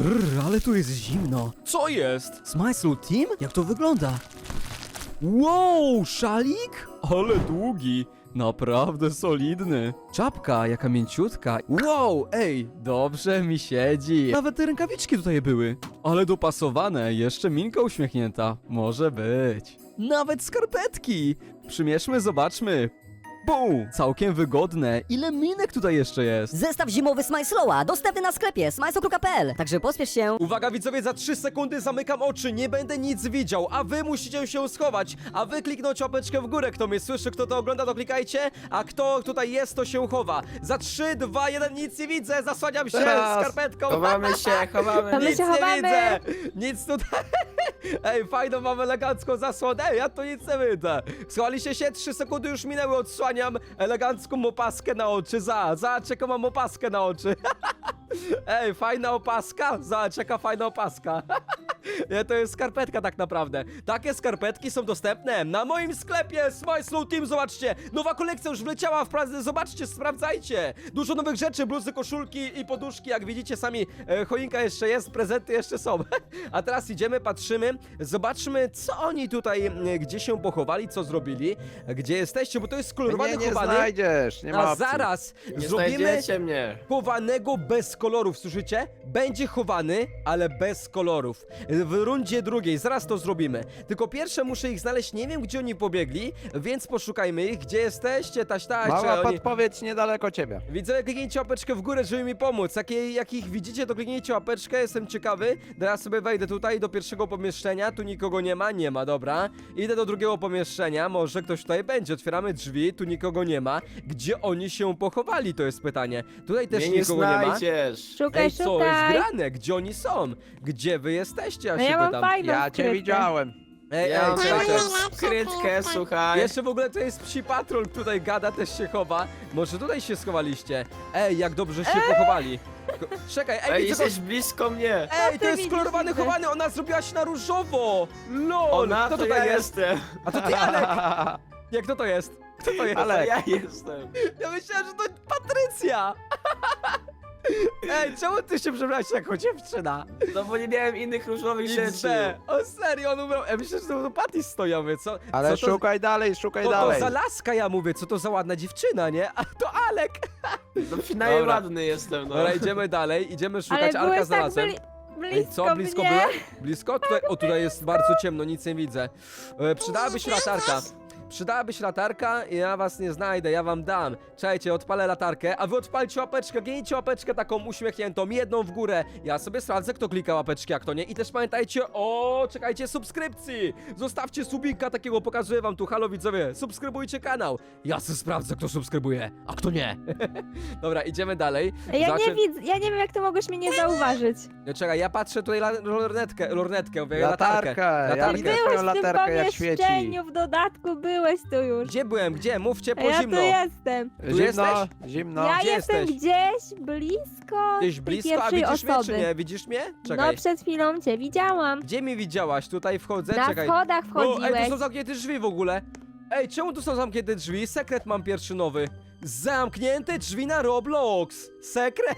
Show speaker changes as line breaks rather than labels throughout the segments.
Ale tu jest zimno.
Co jest?
Smajslu Team? Jak to wygląda? Wow, szalik?
Ale długi. Naprawdę solidny.
Czapka, jaka mięciutka. Wow, ej, dobrze mi siedzi. Nawet te rękawiczki tutaj były.
Ale dopasowane, jeszcze minka uśmiechnięta. Może być.
Nawet skarpetki.
Przymierzmy, zobaczmy. Bum! Całkiem wygodne. Ile minek tutaj jeszcze jest?
Zestaw zimowy Smajslowa, dostępny na sklepie smajslo.pl. Także pospiesz się.
Uwaga widzowie, za 3 sekundy zamykam oczy, nie będę nic widział, a wy musicie się schować, a wy kliknąć łapeczkę w górę, kto mnie słyszy, kto to ogląda, to klikajcie, a kto tutaj jest, to się chowa. Za 3, 2, 1, nic nie widzę, zasłaniam się skarpetką.
Chowamy się, chowamy.
Nic nie widzę! Nic tutaj... Ej, fajną mam elegancką zasłonę. Ej, ja tu nic nie widzę. Schowaliście się, 3 sekundy już minęły, odsłaniam elegancką opaskę na oczy. Zobacz, jaką mam opaskę na oczy. Ej, fajna opaska? Zobacz, jaka fajna opaska. Nie, to jest skarpetka tak naprawdę. Takie skarpetki są dostępne na moim sklepie Smajslow Team, zobaczcie. Nowa kolekcja już wleciała w pracę, zobaczcie, sprawdzajcie. Dużo nowych rzeczy, bluzy, koszulki i poduszki, jak widzicie sami, choinka jeszcze jest, prezenty jeszcze są. A teraz idziemy, patrzymy, zobaczmy, co oni tutaj, gdzie się pochowali, co zrobili, gdzie jesteście, bo to jest kolorowany
Nie
chowany.
znajdziesz, nie ma
A
opcji.
zaraz
Nie
zrobimy
znajdziecie mnie.
chowanego bez kolorów, słyszycie? Będzie chowany, ale bez kolorów. W rundzie drugiej, zaraz to zrobimy. Tylko pierwsze muszę ich znaleźć, nie wiem gdzie oni pobiegli, więc poszukajmy ich. Gdzie jesteście, taś,
Mała
oni...
podpowiedź niedaleko ciebie.
Widzę, kliknijcie łapeczkę w górę, żeby mi pomóc. Jak ich widzicie, to kliknijcie łapeczkę, jestem ciekawy. Teraz sobie wejdę tutaj do pierwszego pomieszczenia, tu nikogo nie ma, dobra. Idę do drugiego pomieszczenia, może ktoś tutaj będzie. Otwieramy drzwi, tu nikogo nie ma. Gdzie oni się pochowali, to jest pytanie. Tutaj też
Mnie nie
nikogo nie ma.
znajdziesz.
Szukaj,
Ej, co jest
szukaj.
grane? Gdzie oni są? Gdzie wy jesteście? Ja
No
się
ja mam
pytam.
fajną
Ja cię
skrytkę.
widziałem.
Ej,
Ja mam
czekajcie.
skrytkę, słuchaj.
Jeszcze w ogóle to jest psi patrol, tutaj gada, też się chowa. Może tutaj się schowaliście? Ej, jak dobrze się pochowali. Czekaj, ej,
Ej,
widzę
jesteś blisko mnie.
Ej, to
ty
jest
widzisz,
kolorowany
widzę.
chowany, ona zrobiła się na różowo! LOL!
Ona,
Kto
to
tutaj
ja
jest?
jestem.
A to ty, Alek! Jak kto to jest? Kto to jest?
Ale ja jestem.
Ja myślałem, że to Patrycja! Ej, czemu ty się przebrałeś jako dziewczyna?
No bo nie miałem innych różowych
XD.
rzeczy.
O serio, on ubrał. Ja myślę, że to Patty stojowy, co?
Ale
co to...
szukaj dalej, szukaj
To
dalej.
za laska, ja mówię, co to za ładna dziewczyna, nie? A to Alek!
No przynajmniej
Dobra.
ładny jestem, no.
Dobra, idziemy dalej, idziemy szukać,
Ale
Alka
byłeś tak
znalazłem.
blisko
Ej, co? Blisko
mnie.
byłem? Blisko? Tutaj, o, tutaj jest bardzo ciemno, nic nie widzę. Przydałaby się latarka. Przydałaby się latarka i ja was nie znajdę, ja wam dam. Czekajcie, odpalę latarkę, a wy odpalcie łapeczkę, gnijcie łapeczkę taką uśmiechniętą, jedną w górę. Ja sobie sprawdzę, kto klika łapeczki, a kto nie. I też pamiętajcie o, czekajcie, subskrypcji. Zostawcie subika takiego, pokazuję wam tu, halo widzowie, subskrybujcie kanał. Ja sobie sprawdzę, kto subskrybuje, a kto nie. Dobra, idziemy dalej.
Ja nie widzę, ja nie wiem jak ty mogłeś mnie nie zauważyć.
Czekaj, ja patrzę tutaj lornetkę, mówię,
Latarkę, ja
latarkę.
widzę
Byłeś
twoją
w tym
latarkę jak świeci.
pomieszczeniu, w dodatku byłeś tu już.
Gdzie byłem? Gdzie? Mów
A
ciepło,
ja
zimno.
tu jestem.
Tu
Zimno,
jesteś?
zimno.
Ja
gdzie
jestem
jesteś?
gdzieś blisko
Gdzieś
tej
blisko, a
pierwszej
widzisz mnie
osoby.
czy nie? Widzisz mnie?
No
Czekaj.
przed chwilą cię widziałam.
Gdzie mi widziałaś? Tutaj wchodzę,
Na
czekaj.
schodach
O, ej, tu
wchodziłeś.
są zamknięte drzwi w ogóle. Ej, czemu tu są zamknięte drzwi? Sekret mam pierwszy nowy. Zamknięte drzwi na Roblox. Sekret?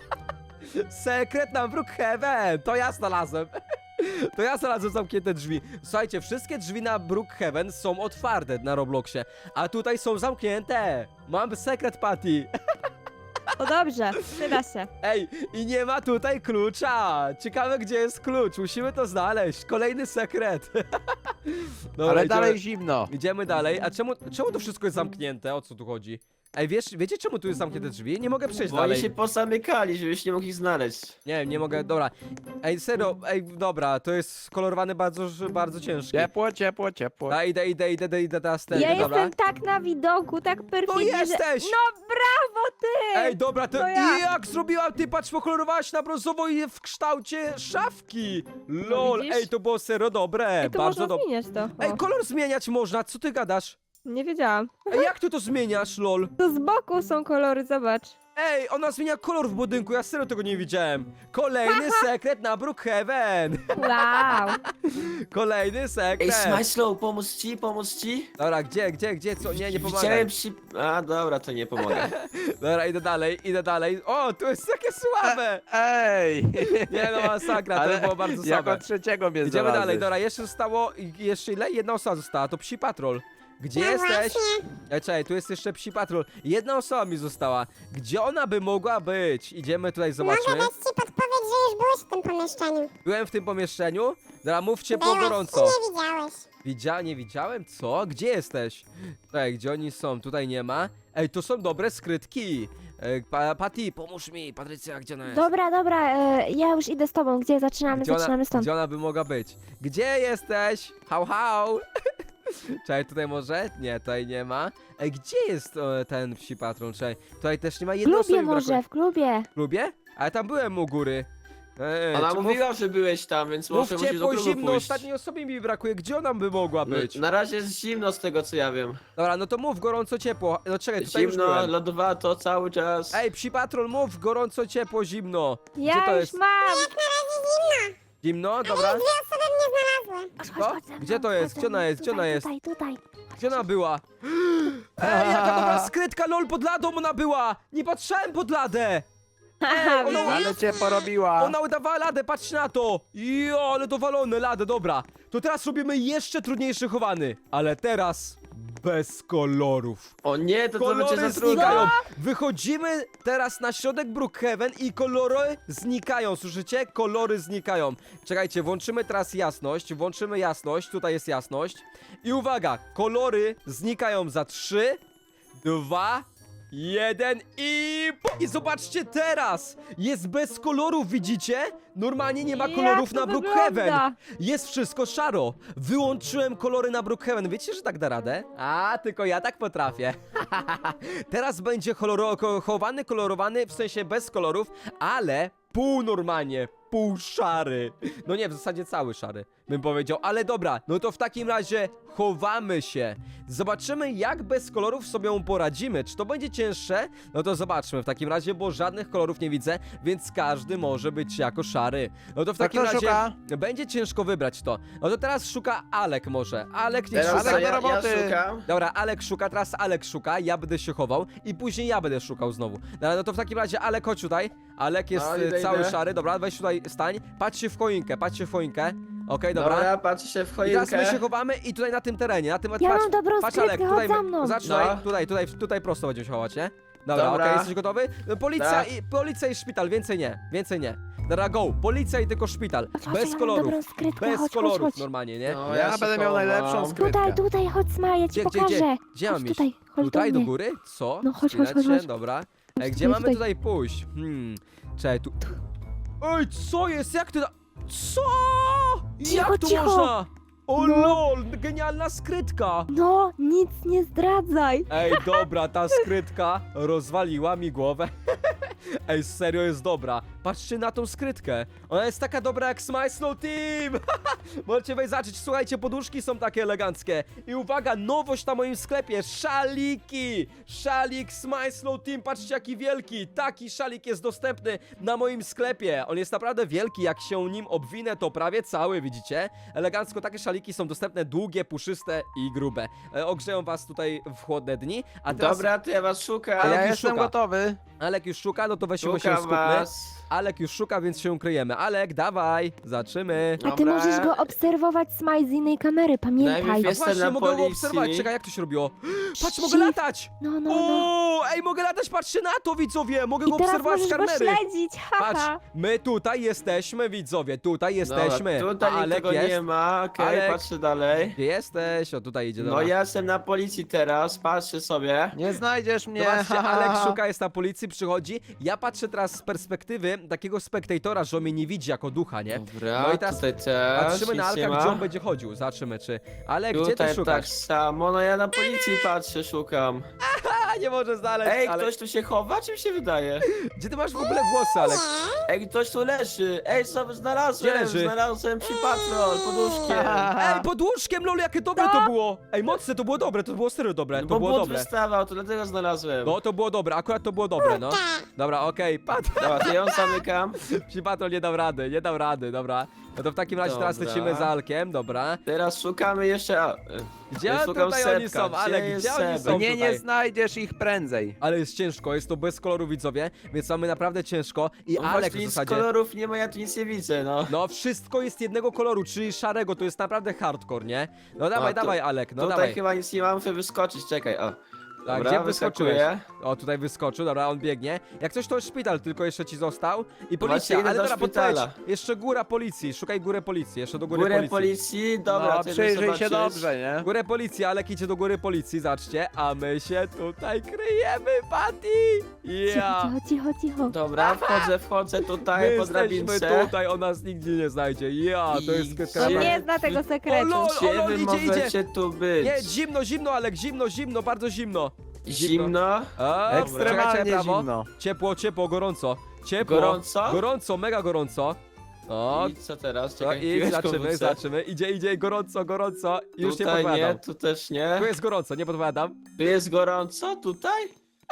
Sekret na Brookhaven. To ja znalazłem. To ja znalazłem zamknięte drzwi. Słuchajcie, wszystkie drzwi na Brookhaven są otwarte na Robloxie, a tutaj są zamknięte. Mam sekret, Patty.
To dobrze, przyda się.
Ej, i nie ma tutaj klucza. Ciekawe, gdzie jest klucz. Musimy to znaleźć. Kolejny sekret. Dobra,
Ale
idziemy,
dalej zimno.
idziemy dalej. A czemu to wszystko jest zamknięte? O co tu chodzi? Ej, wiecie czemu tu jest zamknięte drzwi? Nie mogę przejść
Bo oni
dalej.
się posamykali, żebyś nie mógł ich znaleźć.
Nie mogę, dobra. Ej, serio, ej, dobra, to jest kolorowane bardzo ciężkie.
Ciepło, ciepło, ciepło.
A idę teraz ten,
Ja
dobra.
jestem tak na widoku, tak perfidnie,
Tu jesteś!
Że... No brawo ty!
Ej, dobra, to
ja.
jak zrobiłam, ty patrz, pokolorowałaś na brązowo i w kształcie szafki. LOL,
widzisz?
ej, to było serio dobre,
Ej, to
bardzo
można
dobre.
zmieniać to.
Ej,
O,
kolor zmieniać można, co ty gadasz?
nie wiedziałam.
Ej, jak ty to zmieniasz, lol?
Tu z boku są kolory, zobacz.
Ej, ona zmienia kolor w budynku, ja serio tego nie widziałem. Kolejny sekret na Brookhaven.
Wow.
Kolejny
Ej,
sekret.
Smajslow, pomóc ci?
Dobra, gdzie, co? Nie pomagaj.
Widziałem przy... A, dobra, to nie pomogę.
Dobra, idę dalej. O, tu jest takie słabe.
Ej!
Nie no, masakra, to było bardzo
jako
słabe.
trzeciego mnie
Idziemy
znalazłeś.
dalej, dobra, jeszcze zostało, jeszcze ile? Jedna osoba została, to Psi Patrol. Gdzie jesteś? Czekaj, tu jest jeszcze Psi Patrol. Jedna osoba mi została. Gdzie ona by mogła być? Idziemy tutaj, zobaczmy.
Mogę dać ci podpowiedź, że już byłeś w tym pomieszczeniu.
Byłem w tym pomieszczeniu. Dobra, mówcie po
Byłeś
gorąco.
i nie widziałeś.
Nie widziałem? Co? Gdzie jesteś? Ej, gdzie oni są? Tutaj nie ma. Ej, to są dobre skrytki. Patty, pomóż mi. Patrycja, gdzie ona jest?
Dobra, ja już idę z tobą. Gdzie zaczynamy? Zaczynamy stąd.
Gdzie ona by mogła być? Gdzie jesteś? Hał. Czekaj, tutaj może? Nie, tutaj nie ma. Ej, gdzie jest ten Psi Patrol? Czekaj, tutaj też nie ma
W
jednej osoby
klubie
mi brakuje.
może, w klubie.
W klubie? Ale tam byłem u góry.
Ona
czy
mówiła, że byłeś tam, więc może
Mówcie
musisz do
po
klubu
zimno,
pójść.
ostatniej osobie mi brakuje. Gdzie ona by mogła być?
Na razie jest zimno z tego, co ja wiem.
Dobra, no to mów gorąco, ciepło. No czekaj, tutaj już
Zimno,
byłem.
lodowato cały czas.
Ej, Psi Patrol, mów gorąco, ciepło, zimno. Gdzie to
Ja już
jest?
mam.
Zimno, dobra.
Dwie osoby mnie znalazły.
Chodź ze mną,
Gdzie to jest?
chodź ze
Gdzie ona
mną.
jest? Gdzie ona jest?
Tutaj.
Gdzie ona była? Ej, jaka dobra skrytka, lol, pod ladą ona była! Nie patrzałem pod ladę!
Haha,
ona-
widzę.
Ale cię porobiła.
Ona udawała ladę, patrz na to! Jo, ale dowalone, ladę, dobra. To teraz robimy jeszcze trudniejszy chowany. Ale teraz bez kolorów.
O nie, to będzie
Kolory
za trudno.
znikają. Wychodzimy teraz na środek Brookhaven i kolory znikają, słyszycie? Kolory znikają. Czekajcie, włączymy teraz jasność, tutaj jest jasność. I uwaga, kolory znikają za 3, 2, 1 i zobaczcie teraz! Jest bez kolorów, widzicie? Normalnie nie ma
Jak
kolorów
to
na Brookhaven.
wygląda?
Jest wszystko szaro. Wyłączyłem kolory na Brookhaven. Wiecie, że tak da radę? A, tylko ja tak potrafię. Teraz będzie chowany, kolorowany, w sensie bez kolorów, ale pół normalnie, pół szary. No nie, w zasadzie cały szary, bym powiedział. Ale dobra, no to w takim razie chowamy się. Zobaczymy, jak bez kolorów sobie poradzimy. Czy to będzie cięższe? No to zobaczmy w takim razie, bo żadnych kolorów nie widzę, więc każdy może być jako szary. No to w
To
takim
kto
razie
szuka?
będzie ciężko wybrać to. No to teraz szuka Alek może. Alek niech
Teraz
szuka.
ja
Alek
do roboty.
szukam. Dobra, Alek szuka, teraz Alek szuka, ja będę się chował i później ja będę szukał znowu. Dobra, no to w takim razie Alek, chodź tutaj. Alek jest
No, idę,
cały
idę.
szary, dobra, weź tutaj, stań. Patrz się w choinkę. Okej, dobra.
Dobra, patrzę się w
I teraz my się
choinkę.
chowamy i tutaj na tym terenie, na tym...
Ja
patrz,
mam dobrą
patrz
skrytkę,
Alek,
chodź
tutaj,
za mną.
zaczynaj,
No.
tutaj prosto będziemy się chować, nie? Dobra,
Dobra.
okej, jesteś gotowy? No, Policja,
Tak.
policja i szpital, więcej nie. Dobra, go, policja i tylko szpital,
Chodź,
bez
ja mam
kolorów,
dobrą skrytkę,
bez
chodź,
kolorów
chodź.
normalnie, nie?
No,
ja
ja będę miał najlepszą skrytkę.
Tutaj, chodź Sma, ja ci pokażę.
Gdzie mam
Chodź
iść?
tutaj, chodź
Tutaj
do
do
mnie.
góry? Co?
No, chodź,
Chwileczkę, dobra. Ej, gdzie mamy
tutaj.
tutaj pójść? Czekaj, tu... Ej, co jest? Jak ty... Co?
Cicho,
Jak to
cicho.
można? O
No.
lol, genialna skrytka!
No, nic nie zdradzaj.
Ej, dobra, ta skrytka rozwaliła mi głowę. Ej, serio jest dobra. Patrzcie na tą skrytkę. Ona jest taka dobra jak Smile Slow Team. Możecie wejść zacząć. Słuchajcie, poduszki są takie eleganckie. I uwaga, nowość na moim sklepie. Szaliki. Szalik Smile Slow Team. Patrzcie, jaki wielki. Taki szalik jest dostępny na moim sklepie. On jest naprawdę wielki. Jak się nim obwinę, to prawie cały, widzicie? Elegancko, takie szaliki są dostępne, długie, puszyste i grube. Ogrzeją was tutaj w chłodne dni. A teraz
Dobra, to ja was szukam.
Ale
Ja
już
jestem
szuka.
gotowy.
Alek już szuka, no to weźmy się
Szukam
skupmy.
was.
Alek już szuka, więc się ukryjemy. Alek, dawaj, zaczymy.
A ty
Dobra.
możesz go obserwować Smile z innej kamery, pamiętaj.
Najpierw
A
Jestem
właśnie,
na
mogę go
policji.
obserwować. Czekaj, jak to się robiło? Patrz, mogę
Shift.
latać!
No.
O, ej, mogę latać, patrzcie na to, widzowie! Mogę
I
go
teraz
obserwować z
możesz go
kamery.
śledzić,
Patrz,
haha.
my tutaj jesteśmy, widzowie, tutaj jesteśmy.
Dobra, tutaj
A Alek
nikogo
jest?
nie ma. Okej,
Alek.
patrzę dalej.
Gdzie jesteś? O, tutaj idzie,
No
dobra.
ja jestem na policji teraz, patrzę sobie.
Nie znajdziesz mnie.
Zobaczcie,
ha, ha,
Alek
ha.
szuka, jest na policji, przychodzi. Ja patrzę teraz z perspektywy takiego spektatora, że on mnie nie widzi jako ducha, nie?
Dobra,
No i teraz
tutaj też,
Patrzymy na
nic nie
Alka,
ma.
gdzie on będzie chodził. Zobaczymy, czy... Alek, gdzie ty
Tutaj tak
szukasz?
samo, no ja na policji patrzę, szukam.
A, Nie może znaleźć,
Ej,
ale...
ktoś tu się chowa, czy mi się wydaje?
Gdzie ty masz w ogóle włosy, Alek?
Ej, ktoś tu leży. Ej, co znalazłem?
Gdzie leży?
Znalazłem psi patrol pod łóżkiem.
Ej, pod łóżkiem, lol, jakie dobre to było! Ej, mocne, to było dobre, to było serio dobre, to
Bo
było
but
dobre.
wystawał, to dlatego znalazłem.
No, to było dobre, akurat to było dobre, no. Dobra, okej,
Dobra, to ją zamykam.
Psi Patrol nie dał rady, dobra. No to w takim razie teraz
Dobra.
lecimy za Alkiem, dobra.
Teraz szukamy jeszcze...
Gdzie
ja szukam
tutaj oni
Sepka.
są, Alek,
jest
gdzie oni
Sebek?
są
Nie
tutaj?
znajdziesz ich prędzej.
Ale jest ciężko, jest to bez koloru, widzowie, więc mamy naprawdę ciężko. I
No
Alek
właśnie,
w
nic
zasadzie...
kolorów nie ma, ja tu nic nie widzę, no.
No, wszystko jest jednego koloru, czyli szarego, to jest naprawdę hardcore, nie? No dawaj,
to-
dawaj, Alek, no
Tutaj
dawaj.
chyba nic nie mam, muszę wyskoczyć, czekaj, o.
Tak,
Dobra,
gdzie wyskoczyłeś?
wyskakuję.
O, tutaj wyskoczył, dobra, on biegnie. Jak coś, to szpital tylko jeszcze ci został. I
Właśnie
policja,
idę
ale
do
dobra,
szpitala.
podpowiedź. Jeszcze góra policji, szukaj górę policji, jeszcze do góry
Górę
policji.
policji, dobra,
No,
to idę
przyjrzyj się
zobaczyć.
dobrze, nie?
Górę policji, Alek idzie do góry policji, zaczcie, a my się tutaj kryjemy, Patty! Ja!
Cicho, cicho.
Dobra, wchodzę
My
tutaj po
jesteśmy
drabince.
tutaj, on nas nigdzie nie znajdzie. Ja, to jest
I
skrytka.
On
gdzie-
nie zna tego
O,
sekretu.
lol.
Gdzie wy
idzie,
możecie tu być?
Nie, zimno, Alek, zimno, bardzo zimno.
Zimno?
A, czekajcie,
Ekstremalnie
prawo.
zimno.
Ciepło, gorąco. Ciepło.
Gorąco?
Gorąco, mega gorąco. O,
I co teraz?
to
Czekaj,
i
piłeczką wrócę.
zobaczymy. Idzie, gorąco. Już nie
Tutaj
podpowiadam.
nie, tu też nie.
Tu jest gorąco, nie podpowiadam.
Tu jest gorąco? Tutaj?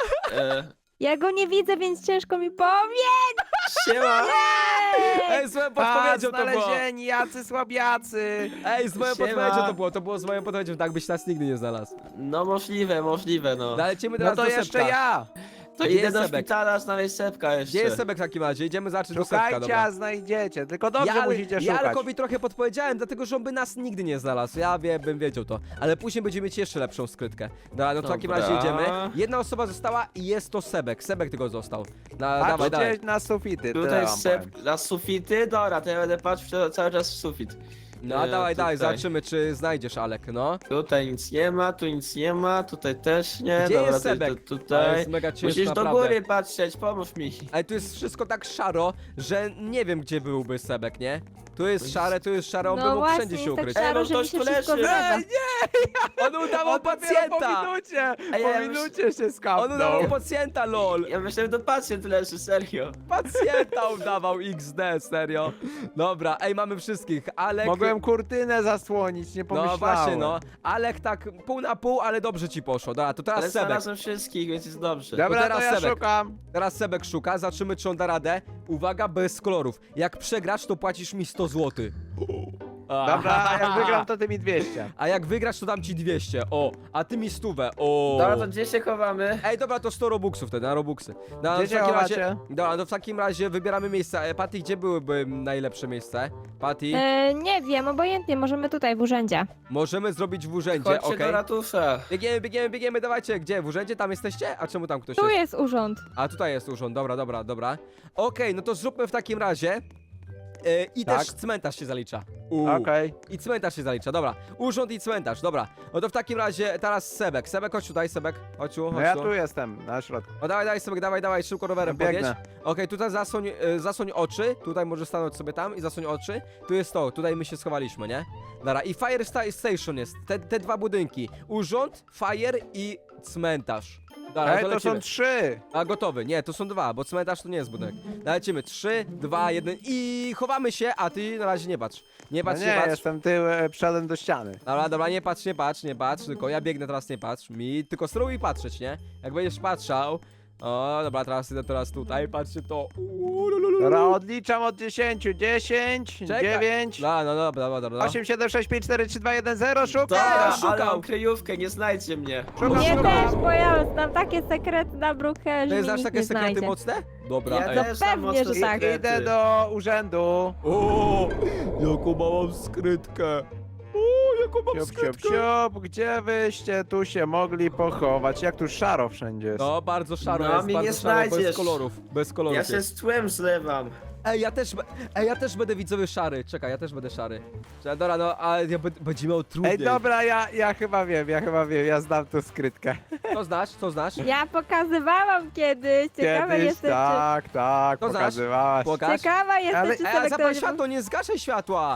Ja go nie widzę, więc ciężko mi powie.
Siema!
Ej, z moją podpowiedzią to było.
znalezieni, jacy słabiacy.
Ej, z moją
Siema.
podpowiedzią to było. To było z moją podpowiedzią, tak byś nas nigdy nie znalazł.
No możliwe, no.
No, lecimy
No
teraz
to
do
jeszcze
Sepka.
ja.
To
Gdzie
idę
jest
do
Sebek?
szpitala znaleźć Sepka jeszcze.
Gdzie jest Sebek w takim razie? Idziemy zacząć do Sepka,
Szukajcie,
dobra.
a znajdziecie. Tylko dobrze
Ja
musicie szukać.
Alkowi trochę podpowiedziałem, dlatego że on by nas nigdy nie znalazł. Ja bym wiedział to. Ale później będziemy mieć jeszcze lepszą skrytkę. Dobra, no to w takim
Dobra.
razie idziemy. Jedna osoba została i jest to Sebek. Sebek tylko został. Dawaj.
Patrzcie na sufity, tyle
Tutaj
wam
Sep
powiem.
na sufity? Dobra, to ja będę patrzył cały czas w sufit.
No dawaj,
tutaj.
zobaczymy czy znajdziesz, Alek, no.
Tutaj nic nie ma, tu nic nie ma, tutaj też nie.
Gdzie
Dobra,
jest
to
Sebek? To
tutaj.
jest mega ciężko,
Musisz do
naprawdę.
góry patrzeć, pomóż mi.
Ale tu jest wszystko tak szaro, że nie wiem gdzie byłby Sebek, nie? Tu jest szare, on by
No
mógł
właśnie,
wszędzie się
jest tak
ukryć.
szaro,
Ej,
że
no
mi się
ktoś tu
wszystko
leży.
zgadza.
On udawał
On dopiero
pacjenta!
Po minucie,
Ej,
po
ja
minucie się
On
skapnął.
udawał pacjenta, lol!
Ja myślałem, że to pacjent leży, serio.
Pacjenta udawał XD, serio. Dobra, ej, mamy wszystkich. Alek...
Mogłem kurtynę zasłonić, nie
No
pomyślałem.
właśnie, no. Alek tak pół na pół, ale dobrze ci poszło. Dobra, to teraz
Ale
Sebek.
znalazłem wszystkich, więc jest dobrze.
Dobra,
teraz
to ja
Sebek.
szukam.
Teraz Sebek szuka, zobaczymy czy on da radę. Uwaga, bez kolorów. Jak przegrasz, to płacisz mi 100 zł.
Dobra, a jak wygram, to ty mi 200.
A jak wygrasz, to dam ci 200. O, a ty mi 100. O.
Dobra, to gdzie się chowamy?
Ej, dobra, to 100 robuxów wtedy, na robuxy. No,
Gdzie
w
się
takim
chowacie?
razie, dobra, no w takim razie wybieramy miejsca. Patty, gdzie byłyby najlepsze miejsce? Patty,
Nie wiem, obojętnie, możemy tutaj w urzędzie.
możemy zrobić w urzędzie,
Chodźcie
okej?
do ratusza.
Biegniemy, dawajcie. Gdzie? W urzędzie? Tam jesteście? A czemu tam ktoś
Tu
jest?
jest urząd.
A tutaj jest urząd, dobra. Okej, no to zróbmy w takim razie. I
Tak.
też cmentarz się zalicza.
Okej.
I cmentarz się zalicza, dobra. Urząd i cmentarz, dobra. No to w takim razie teraz Sebek. Sebek, chodź tutaj, Sebek. Chodź tu,
No
chodź
ja
tu.
tu jestem, na środku.
No dawaj, Sebek, dawaj, szybko rowerem podjedź.
Biegnę.
Okej, tutaj zasłoń oczy. Tutaj możesz stanąć sobie tam i zasłoń oczy. Tu jest to, tutaj my się schowaliśmy, nie? Dobra, i Fire Station jest. Te dwa budynki. Urząd, Fire i cmentarz. Dobra,
Ej,
to
to
lecimy.
są 3.
A gotowy, nie, to są dwa, bo cmentarz to nie jest budynek. Lecimy, 3, 2, 1 i chowamy się, a ty na razie nie patrz. Nie
No
patrz,
nie,
nie patrz.
jestem przodem do ściany.
Dobra, nie patrz, tylko ja biegnę teraz, nie patrz. Tylko spróbuj patrzeć, nie? Jak będziesz patrzał. O, dobra, teraz idę tutaj, patrzcie to.
Dobra, odliczam od 10. 10,
Czekaj.
9,
No, dobra.
8, 7, 6, 5, 4, 3, 2, 1, 0, szukam!
Dobra,
szukam.
ale mam kryjówkę, nie znajdzie mnie.
Nie też, bo ja znam takie sekrety na Brookhaven,
To
że
jest
mnie
aż
nikt
takie
nie
sekrety
znajdzie.
mocne? Dobra,
Ja
ej.
też mam
pewnie,
mocno
że tak.
sekrety.
Idę do urzędu.
O, jaką mam skrytkę. O, jaką mam
Siup, siup,
skrytkę.
siup, gdzie wyście tu się mogli pochować? Jak tu szaro wszędzie jest.
No, bardzo szaro
No,
jest,
mnie
bardzo
nie
szaro, bez
znajdziesz.
kolorów. Bez kolorów
Ja się
jest.
z tłem zlewam.
Ej, ja też będę widzowy szary. Czekaj, ja też będę szary. Czekaj, dobra, no, ale ja będzie miał trudniej.
Ej, dobra, ja chyba wiem, ja znam tu skrytkę.
Co znasz?
Ja pokazywałam kiedyś. Ciekawa
Kiedyś,
jestem,
tak,
To znasz?
pokazywałaś.
czy...
Pokaż.
Ciekawa jestem,
Ale,
czy
ale
Sebek to
zapal
będzie...
światło, nie zgaszaj światła.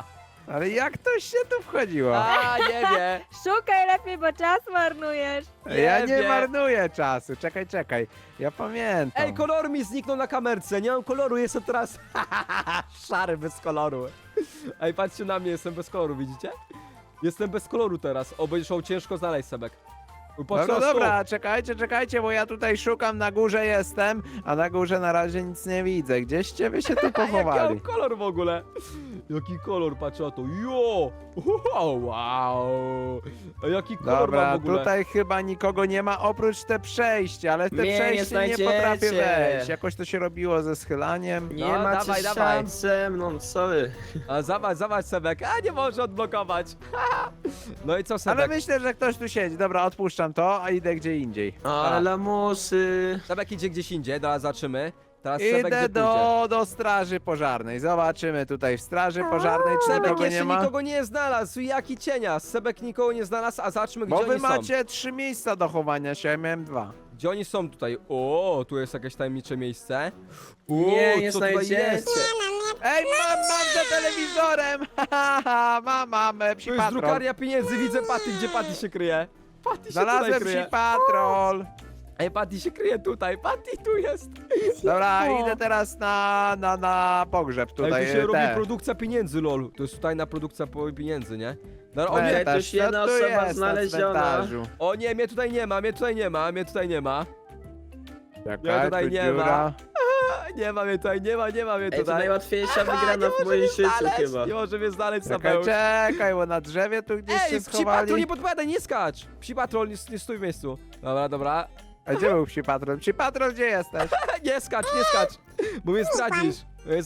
Ale jak to się tu wchodziło?
A, nie wie.
Szukaj lepiej, bo czas marnujesz.
Ja nie
wiem.
marnuję czasu. Czekaj. Ja pamiętam.
Ej, kolor mi zniknął na kamerce, nie mam koloru, jestem teraz szary, bez koloru. Ej, patrzcie na mnie, jestem bez koloru, widzicie? Jestem bez koloru teraz, o, będzie szło ciężko znaleźć, Sebek.
Dobra, czekajcie, bo ja tutaj szukam, na górze jestem, a na górze na razie nic nie widzę. Gdzieście wy się tu
Jaki mam
pochowali?
kolor w ogóle? Jaki kolor, patrz na to, jo! Wow! A jaki kolor mam
Dobra,
w ogóle?
tutaj chyba nikogo nie ma oprócz te przejścia, ale w te
Mnie nie
przejście nie potrafię
znajdziecie.
wejść. Jakoś to się robiło ze schylaniem.
Nie
No,
macie
dawaj.
szans ze mną, sorry.
A zobacz, Sebek, a nie może odblokować. No i co, Sebek?
Ale myślę, że ktoś tu siedzi. Dobra, odpuszczam to, a idę gdzie indziej.
Ale lamusy.
Sebek idzie gdzieś indziej, teraz zobaczymy. Teraz Sebek
Idę
gdzie pójdzie?
do straży pożarnej. Zobaczymy tutaj w straży pożarnej, czy
Sebek
nikogo
jeszcze
nie ma.
nikogo nie znalazł, jaki cienia. Sebek nikogo nie znalazł, a zobaczmy
Bo
gdzie
wy
oni są.
macie 3 miejsca do chowania się, ja miałem 2.
Gdzie oni są tutaj? O, tu jest jakieś tajemnicze miejsce. O,
Nie
co tutaj
znajdziecie.
jest?
Ej, mam za telewizorem! mam
Tu
psi
jest
patrol.
drukarnia pieniędzy, widzę Patty, gdzie Patty się kryje? Patty się tutaj
Znalazłem
kryje.
psi patrol.
Ej, Patty się kryje tutaj, Patty tu jest.
Dobra, idę teraz na pogrzeb tutaj.
Ej, tu się robi
te.
produkcja pieniędzy, lol. To jest tajna produkcja pieniędzy, nie? Dobra, o nie,
Ej, to już
Co
jedna
tu
osoba
jest na
znaleziona.
cmentarzu?
o nie, mnie tutaj nie ma, mnie tutaj nie ma, mnie tutaj nie ma.
Czekaj,
tutaj
tu
nie ma.
dziura.
Nie ma mnie tutaj, nie ma mnie
Ej, to
tutaj.
najłatwiejsza
nie
wygrana w
może
moim
mnie
życiu
znaleźć,
chyba.
Nie może mnie znaleźć,
Czekaj,
Sabeł.
czekaj, bo na drzewie tu gdzieś
Ej,
się
psi patrol,
schowali.
nie podpowiadaj, nie skacz! Psi patrol, nie stój w miejscu. Dobra.
A gdzie był psi patrol? Psi patrol, gdzie jesteś?
Nie skacz, bo mnie zdradzisz.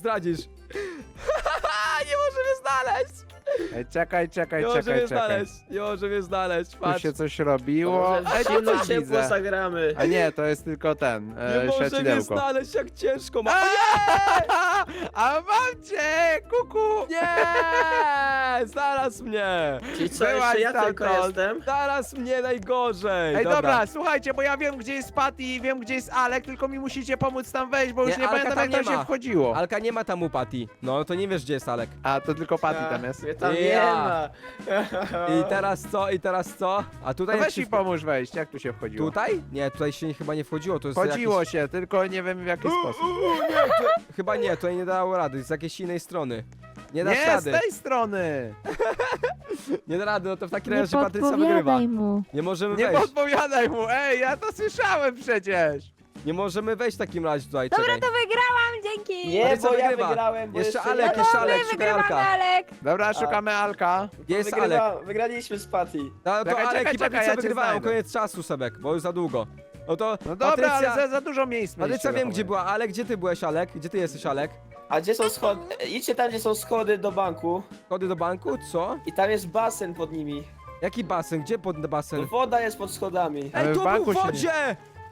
Nie może mnie znaleźć!
Ej, czekaj.
Nie może mnie znaleźć,
Tu
patrz.
się coś robiło.
Może
Ej,
w
tu
zimno
coś
ciepło
widzę.
zagramy.
A nie, to jest tylko ten,
Nie może mnie
świecidełko.
znaleźć, jak ciężko ma.
A mam cię, kuku!
Nie! Znalazł mnie!
Czyli co,
Byłaś
jeszcze ja tylko
stamtąd.
jestem?
Znalazł mnie najgorzej!
Ej, dobra, słuchajcie, bo ja wiem, gdzie jest Patty i wiem, gdzie jest Alek, tylko mi musicie pomóc tam wejść, bo już
Nie,
nie
Alka
pamiętam,
tam
jak tam
nie
się
ma.
wchodziło.
Alka nie ma tam u Patty. No, to nie wiesz, gdzie jest Alek.
A, to tylko Patty tam jest.
Mnie tam
Ja.
nie ma.
I teraz co? A
No
tutaj...
weź mi pomóż wejść, jak tu się wchodziło?
Tutaj? Nie, tutaj się chyba nie wchodziło, to jest
Wchodziło
jakieś...
się, tylko nie wiem w jaki sposób.
Chyba nie, tutaj nie dało rady, z jakiejś innej strony. Nie dasz
Nie, z
rady,
tej strony!
nie da rady, no to w takim
Nie
razie Patrycja wygrywa.
podpowiadaj mu.
Nie możemy
Nie
wejść,
podpowiadaj mu, ej, ja to słyszałem przecież!
nie możemy wejść w takim razie tutaj,
Dobra,
czekaj.
to wygrałam, dzięki.
Nie,
Patrycja
bo ja
wygrywa.
wygrałem, bo
Jeszcze
jeszcze
Alek,
ja-
jeszcze
My
Alek, szukaj
wygrywamy,
Alka.
Alek.
Dobra, szukamy Alka.
Gdzie jest Alek?
Wygraliśmy z Patty.
No to
Czekaj,
Alek
czekaj,
i Patrycja
ja cię
wygrywają,
znajdę.
koniec czasu, Sebek, bo już za długo. No to
No dobra,
Patrycja...
ale za dużo miejsc
Patrycja
mieliście
wiem,
do
gdzie
chowania.
była, Alek, gdzie ty byłeś, Alek? Gdzie ty jesteś, Alek?
A gdzie są schody? Idźcie tam, gdzie są schody do banku.
Kody do banku, co?
I tam jest basen pod nimi.
Jaki basen? Gdzie pod basen?
Woda jest pod schodami.
Ale
Ej,
w
tu
banku
był w
się nie-
wodzie!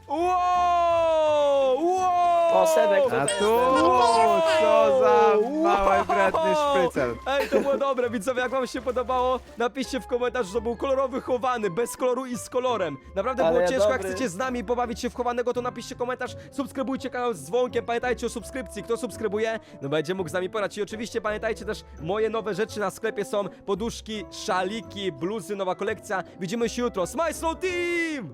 Wow!
O, Sebek,
A
tutaj
tu,
Wow!
co za
Wow!
mały, wredny szprycel.
Ej, to było dobre, widzowie, jak wam się podobało, napiszcie w komentarzu, że to był kolorowy chowany, bez koloru i z kolorem. Naprawdę
Ale
było ciężko, jak
dobry.
chcecie z nami pobawić się w chowanego, to napiszcie komentarz, subskrybujcie kanał z dzwonkiem, pamiętajcie o subskrypcji, kto subskrybuje, no będzie mógł z nami porać. I oczywiście pamiętajcie też, moje nowe rzeczy na sklepie są poduszki, szaliki, bluzy, nowa kolekcja. Widzimy się jutro, Smile Slow Team!